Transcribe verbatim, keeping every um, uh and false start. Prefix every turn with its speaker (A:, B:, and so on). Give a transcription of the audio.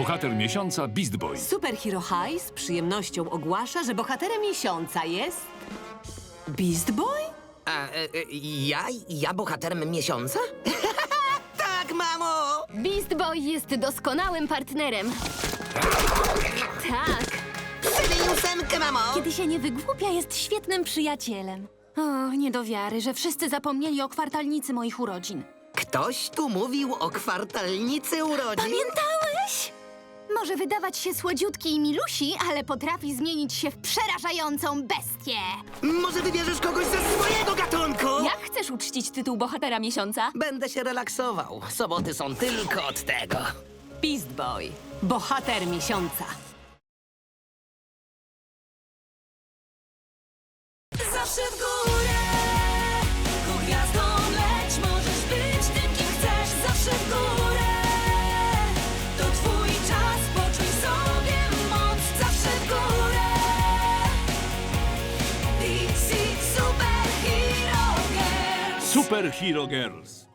A: Bohater miesiąca Beast Boy.
B: Superhero High z przyjemnością ogłasza, że bohaterem miesiąca jest... Beast Boy?
C: A, e, e, ja? Ja bohaterem miesiąca? Tak, mamo!
D: Beast Boy jest doskonałym partnerem. Tak.
C: Przybij ósemkę, mamo!
D: Kiedy się nie wygłupia, jest świetnym przyjacielem. O, nie do wiary, że wszyscy zapomnieli o kwartalnicy moich urodzin.
C: Ktoś tu mówił o kwartalnicy urodzin?
D: Pamiętałeś? Może wydawać się słodziutki i milusi, ale potrafi zmienić się w przerażającą bestię.
C: Może wybierzesz kogoś ze swojego gatunku?
D: Jak chcesz uczcić tytuł bohatera miesiąca?
C: Będę się relaksował. Soboty są tylko od tego.
B: Beast Boy. Bohater miesiąca.
E: Zawsze w górę, ku gwiazdom leć, możesz być tym, kim chcesz. Zawsze w górę, to twój czas, poczuj sobie moc. Zawsze w górę, D C Super Hero Girls.
A: Super Hero Girls.